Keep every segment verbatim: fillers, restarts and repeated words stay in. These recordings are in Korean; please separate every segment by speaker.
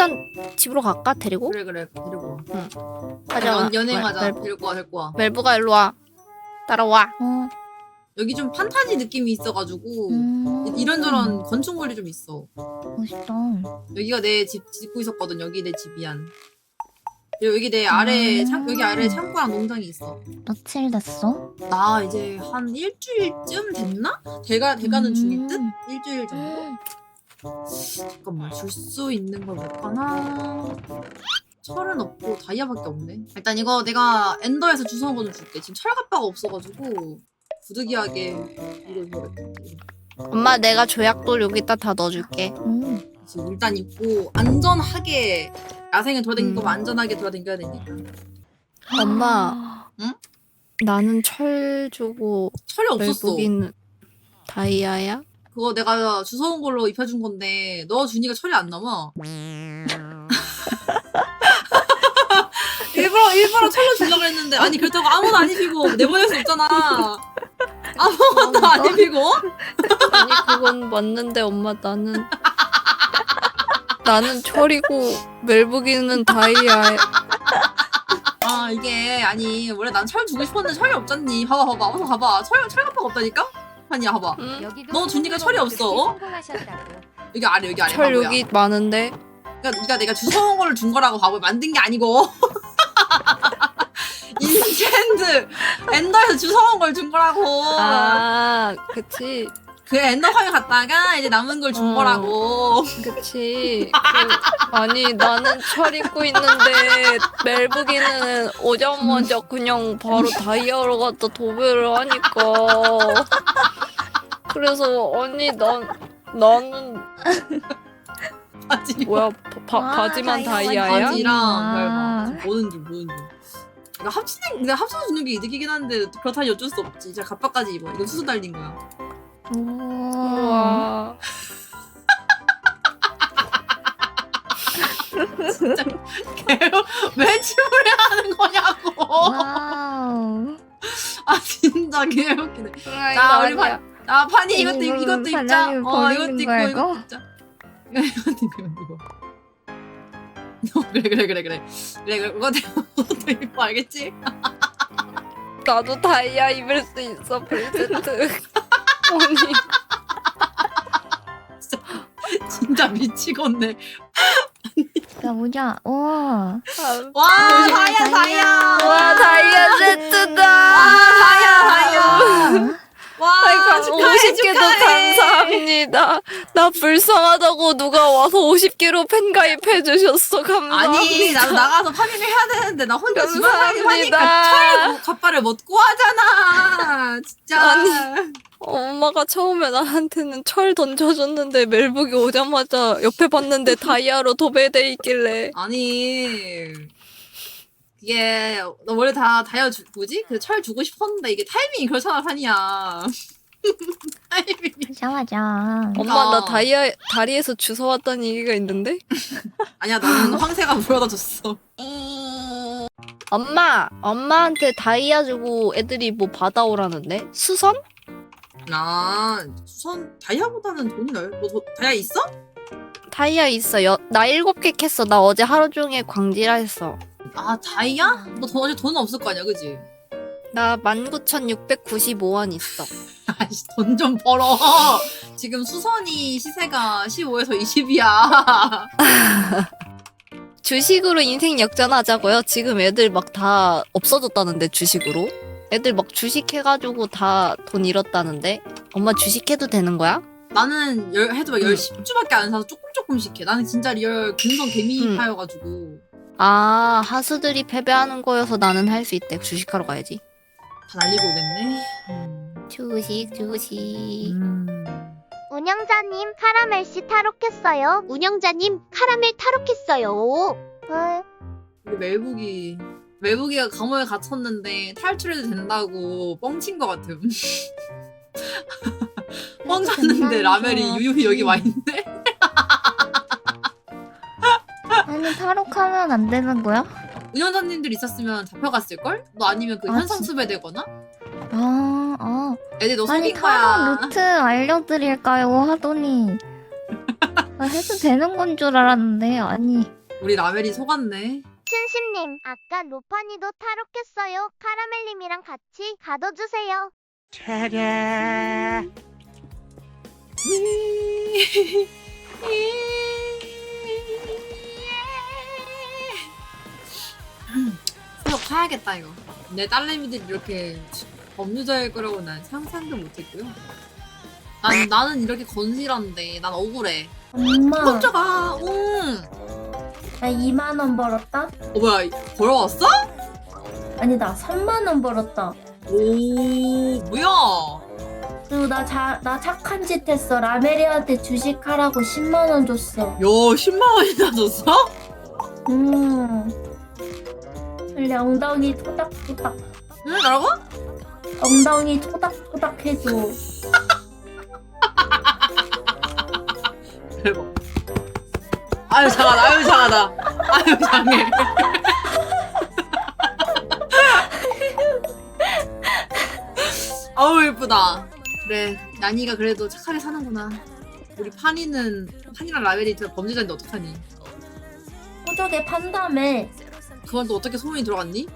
Speaker 1: 일단 집으로 갈까? 데리고?
Speaker 2: 그래 그래 데리고 와.
Speaker 1: 응. 가자.
Speaker 2: 연, 연행하자.
Speaker 1: 멜, 멜,
Speaker 2: 데리고 와 데리고 와.
Speaker 1: 멜브가 일로 와. 따라와.
Speaker 3: 어.
Speaker 2: 여기 좀 판타지 느낌이 있어가지고
Speaker 3: 음.
Speaker 2: 이런저런 건축물이 좀 있어.
Speaker 3: 멋있다.
Speaker 2: 여기가 내 집 짓고 있었거든. 여기 내 집이야. 그리고 여기 내 아래
Speaker 3: 음.
Speaker 2: 창 여기 아래 창고랑 농장이 있어.
Speaker 3: 며칠 됐어?
Speaker 2: 나 이제 한 일주일쯤 됐나? 대가 대가는
Speaker 3: 음.
Speaker 2: 중일 듯? 일주일 정도? 잠깐만 줄 수 있는 걸 볼까나? 철은 없고 다이아밖에 없네. 일단 이거 내가 엔더에서 주워온 거 좀 줄게. 지금 철갑바가 없어가지고 부득이하게 이걸 줘야겠다.
Speaker 1: 엄마 내가 조약돌 여기다 다 넣어줄게.
Speaker 3: 음.
Speaker 2: 지금 일단 입고 안전하게 야생에 돌아다니는
Speaker 1: 음.
Speaker 2: 거 안전하게 돌아다녀야 되니까.
Speaker 1: 엄마.
Speaker 2: 응?
Speaker 1: 나는 철 주고
Speaker 2: 철이 없었어.
Speaker 1: 멜브기는 다이아야?
Speaker 2: 그거 내가 주워온 걸로 입혀준 건데 너 주니까 철이 안 남아. 일부러 일부러 철로 주려고 했는데 아니 그렇다고 아무도 안 입히고 내보낼 수 없잖아. 아무것도 안 입히고?
Speaker 1: 아니 그건 맞는데 엄마 나는 나는 철이고 멜브기는 다이아야.
Speaker 2: 아 이게 아니 원래 난 철 주고 싶었는데 철이 없잖니. 봐봐 봐봐 어서 봐봐 철 철갑바가 없다니까? 아니야 봐봐.
Speaker 1: 응?
Speaker 2: 너 주니까 철이 없어. 여기 아래 여기 아래
Speaker 1: 철
Speaker 2: 바보야.
Speaker 1: 여기 많은데.
Speaker 2: 그러니까 네가 내가 주워온 걸 준 거라고 바보 만든 게 아니고. 인젠드 엔더에서 주워온 걸 준 거라고.
Speaker 1: 아 그치
Speaker 2: 그 엔더 화면 갔다가 이제 남은 걸 준
Speaker 1: 어.
Speaker 2: 거라고.
Speaker 1: 그치. 그, 아니 나는 철 입고 있는데 멜브기는 오자마자 그냥 바로 다이아로 갖다 도배를 하니까. 그래서 언니 난 나는
Speaker 2: 바지
Speaker 1: 뭐야 바,
Speaker 3: 아,
Speaker 1: 바지만
Speaker 3: 다이아
Speaker 1: 다이아야?
Speaker 2: 바지랑
Speaker 3: 아.
Speaker 2: 별 봐. 보는 중 보는 중. 그러니까 합치는 근데 합쳐서 주는 게 이득이긴 한데 그렇다니 어쩔 수 없지. 진짜 갑바까지 입어. 이건 수수 달린 거야.
Speaker 3: 우와.
Speaker 1: 우와.
Speaker 2: 진짜 개로 왜 침을 해야 하는 거냐고.
Speaker 3: 와우.
Speaker 2: 아 진짜 개웃기네.
Speaker 1: 자
Speaker 2: 자, 우리
Speaker 1: 우리 봐.
Speaker 2: 아 파니 이것도
Speaker 3: 이거
Speaker 2: 이것도 입자.
Speaker 3: 사장님
Speaker 2: 어 이것도
Speaker 3: 버리는
Speaker 2: 입고
Speaker 3: 거야,
Speaker 2: 이것도
Speaker 3: 이거?
Speaker 2: 입자. 이것도 입고 이것도 입고. 어, 그래 그래 그래 그래 그래 그래 그거 이것도 입고 알겠지?
Speaker 1: 나도 다이아 입을 수 있어 브리제트. 언니
Speaker 2: 진짜 미치겠네.
Speaker 3: 야 뭐냐? 우와.
Speaker 2: 와
Speaker 3: 아,
Speaker 2: 다이아
Speaker 3: 다이아.
Speaker 2: 다이아.
Speaker 1: 와 다이아 세트다.
Speaker 2: 아 다이아 다이아.
Speaker 3: 아.
Speaker 2: 와
Speaker 1: 아이고
Speaker 2: 축하해,
Speaker 1: 오십 개도
Speaker 2: 축하해.
Speaker 1: 감사합니다. 나 불쌍하다고 누가 와서 오십 개로 팬 가입해 주셨어. 감사합니다.
Speaker 2: 아니 나도 나가서 파밍을 해야 되는데 나 혼자 집안 살림
Speaker 1: 감사합니다.
Speaker 2: 하니까 철 갑바를 먹고 하잖아. 진짜.
Speaker 1: 아니. 엄마가 처음에 나한테는 철 던져줬는데 멜북이 오자마자 옆에 봤는데 다이아로 도배돼 있길래
Speaker 2: 아니 이게 나 원래 다 다이아 주, 뭐지? 그 철 주고 싶었는데 이게 타이밍이 그렇잖아 판이야. 타이밍이.
Speaker 3: 맞아 맞아.
Speaker 1: 엄마 나
Speaker 2: 어.
Speaker 1: 다이아 다리에서 주워왔다는 얘기가 있는데
Speaker 2: 아니야 너는 황새가 물어다 줬어.
Speaker 1: 엄마 엄마한테 다이아 주고 애들이 뭐 받아오라는데 수선?
Speaker 2: 아 수선 다이아보다는 돈이 나요? 너 도, 다이아 있어?
Speaker 1: 다이아 있어. 여, 나 일곱 개 캤어. 나 어제 하루 종일 광질라 했어.
Speaker 2: 아 다이아? 너 돈, 어제 돈은 없을 거 아니야 그지?
Speaker 1: 나 만 구천육백구십오 원 있어.
Speaker 2: 아이씨 돈 좀 벌어. 지금 수선이 시세가 십오에서 이십이야.
Speaker 1: 주식으로 인생 역전하자고요? 지금 애들 막 다 없어졌다는데 주식으로? 애들 막 주식해가지고 다 돈 잃었다는데? 엄마 주식해도 되는 거야?
Speaker 2: 나는 열, 해도 막
Speaker 1: 응.
Speaker 2: 열 십 주밖에 안 사서 조금 조금씩 해. 나는 진짜 리얼 근성
Speaker 1: 응.
Speaker 2: 개미파여가지고
Speaker 1: 아 하수들이 패배하는 거여서 나는 할 수 있대. 주식하러 가야지.
Speaker 2: 다 날리고 오겠네. 음.
Speaker 1: 주식 주식.
Speaker 2: 음.
Speaker 4: 운영자님 카라멜씨 탈옥했어요. 운영자님 카라멜 탈옥했어요. 헐.
Speaker 2: 우리 멜북이 멜북이가 감옥에 갇혔는데 탈출해도 된다고 뻥친 것 같음. 뻥 쳤는데 라멜이 유유히 여기 와 있네.
Speaker 3: 아니 탈옥하면 안 되는 거야?
Speaker 2: 운영자님들 있었으면 잡혀갔을걸? 너 아니면 그
Speaker 3: 아,
Speaker 2: 현상
Speaker 3: 진-
Speaker 2: 수배되거나?
Speaker 3: 아, 아.
Speaker 2: 애들 너
Speaker 3: 아니
Speaker 2: 속인 거야.
Speaker 3: 탈옥 루트 알려드릴까요? 하더니 아, 해도 되는 건 줄 알았는데 아니.
Speaker 2: 우리 라멜이 속았네.
Speaker 4: 춘심님, 아까 로파니도 탈옥했어요. 카라멜님이랑 같이 가둬주세요.
Speaker 2: 수업 가야겠다 이거. 내 딸내미들이 이렇게 법률자일 거라고 난 상상도 못했고요. 난 나는 이렇게 건실한데 난 억울해.
Speaker 5: 엄마,
Speaker 2: 깜짝아. 응.
Speaker 5: 나 이만 원 벌었다?
Speaker 2: 어 뭐야 걸어왔어?
Speaker 5: 아니, 나 삼만 원 벌었다.
Speaker 2: 오 뭐야?
Speaker 5: 그리고 나, 자, 나 착한 짓 했어. 라메리한테 주식하라고 십만 원 줬어.
Speaker 2: 야 십만 원이나 줬어?
Speaker 5: 음. 원래 엉덩이 토닥토닥.
Speaker 2: 응 뭐라고?
Speaker 5: 엉덩이 토닥토닥 해줘.
Speaker 2: 대박. 아유 장하다. 아유 장하다. 아유 장해. 아우 예쁘다. 그래 난이가 그래도 착하게 사는구나. 우리 파니는 파니랑 라벨이 더 범죄자인데 어떡하니?
Speaker 5: 호적에 판다며.
Speaker 2: 그건 또 어떻게 소문이 들어갔니?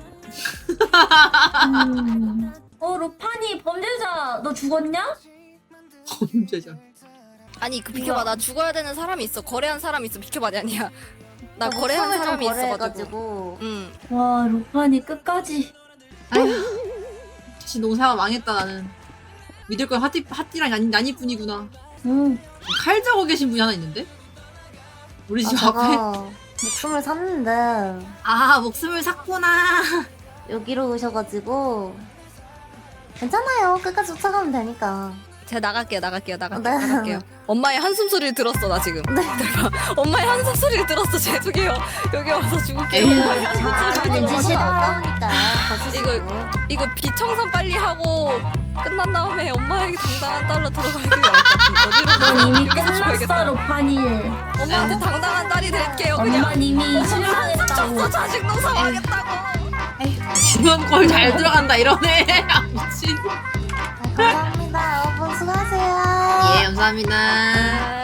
Speaker 5: 음. 어, 로파니 범죄자 너 죽었냐?
Speaker 2: 범죄자.
Speaker 1: 아니 그 비켜봐 나 죽어야 되는 사람이 있어. 거래한 사람이 있어. 비켜봐 아니야. 나 거래한 사람이 있어가지고. 응.
Speaker 5: 와, 로파니 끝까지.
Speaker 2: 아휴 다시 농사가 망했다 나는. 믿을 건 하띠, 하띠랑 난이, 난이뿐이구나.
Speaker 5: 응.
Speaker 2: 칼 자고 계신 분이 하나 있는데? 우리 집
Speaker 6: 아,
Speaker 2: 앞에?
Speaker 6: 제가 목숨을 샀는데
Speaker 2: 아 목숨을 샀구나.
Speaker 6: 여기로 오셔가지고 괜찮아요. 끝까지 쫓아가면 되니까.
Speaker 1: 제가 나갈게요 나갈게요 나갈게요
Speaker 6: 네.
Speaker 1: 나갈게요. 엄마의 한숨 소리를 들었어 나 지금. 대박. 엄마의 한숨 소리를 들었어. 죄송해요. 여기 와서 죽을게요.
Speaker 2: 에이.
Speaker 1: 엄마의 한숨
Speaker 5: 자,
Speaker 1: 소리.
Speaker 5: 근데
Speaker 6: 너무
Speaker 5: 지시다.
Speaker 6: 아까우니까 거시시고.
Speaker 1: 이거 비청산 빨리 하고 끝난 다음에 엄마에게 당당한 딸로 들어가는 게 나을 것 같아. 어디로
Speaker 5: 넌 이미
Speaker 1: 여기서
Speaker 5: 끝났어,
Speaker 1: 죽어야겠다.
Speaker 5: 로파니.
Speaker 1: 엄마한테 당당한 딸이 될게요 그냥.
Speaker 5: 엄마 이미 실망했다고.
Speaker 1: 쳤어 자식 농사하겠다고.
Speaker 2: 지원 꼴 잘 들어간다 이러네. 아, 미친.
Speaker 6: 아, 감사합니다. 여러분 수고하세요.
Speaker 2: 예 감사합니다.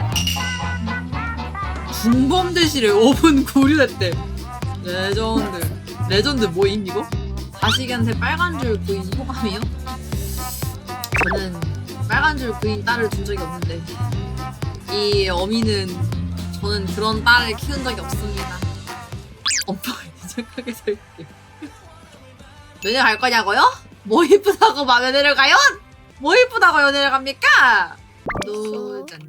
Speaker 2: 중범대실에 오 분 구류했대. 레전드. 레전드 뭐임 이거? 자식한테 빨간 줄 그인 소감이요? 저는 빨간 줄 그인 딸을 둔 적이 없는데 이 어미는 저는 그런 딸을 키운 적이 없습니다. 엄마가 이적하게 살게요. 연애 갈 거냐고요? 뭐 이쁘다고 막 연애를 가요? 뭐 이쁘다고 연애를 갑니까? 노자님.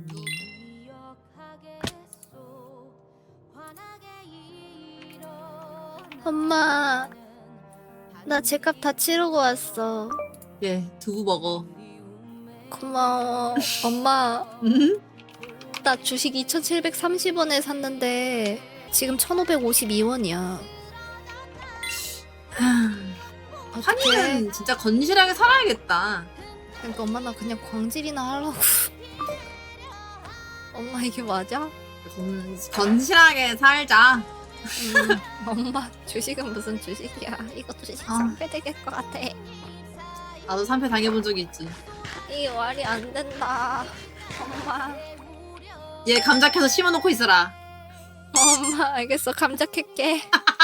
Speaker 1: 엄마 나 제값 다 치르고 왔어.
Speaker 2: 예, 두부 먹어.
Speaker 1: 고마워. 엄마
Speaker 2: 음?
Speaker 1: 나 주식 이천칠백삼십 원에 샀는데 지금 천오백오십이 원이야. 어떡해.
Speaker 2: 환희는 진짜 건실하게 살아야겠다.
Speaker 1: 그러니까 엄마 나 그냥 광질이나 하려고. 엄마 이게 맞아?
Speaker 2: 건, 건실하게 살자.
Speaker 1: 음, 엄마 주식은 무슨 주식이야. 이거 주식
Speaker 2: 아.
Speaker 1: 상패 되겠 것 같아.
Speaker 2: 나도 삼패 당해본 적이 있지.
Speaker 1: 이게 말이 안 된다. 엄마.
Speaker 2: 얘 감자 켜서 심어놓고 있어라.
Speaker 1: 엄마 알겠어. 감자 캘게.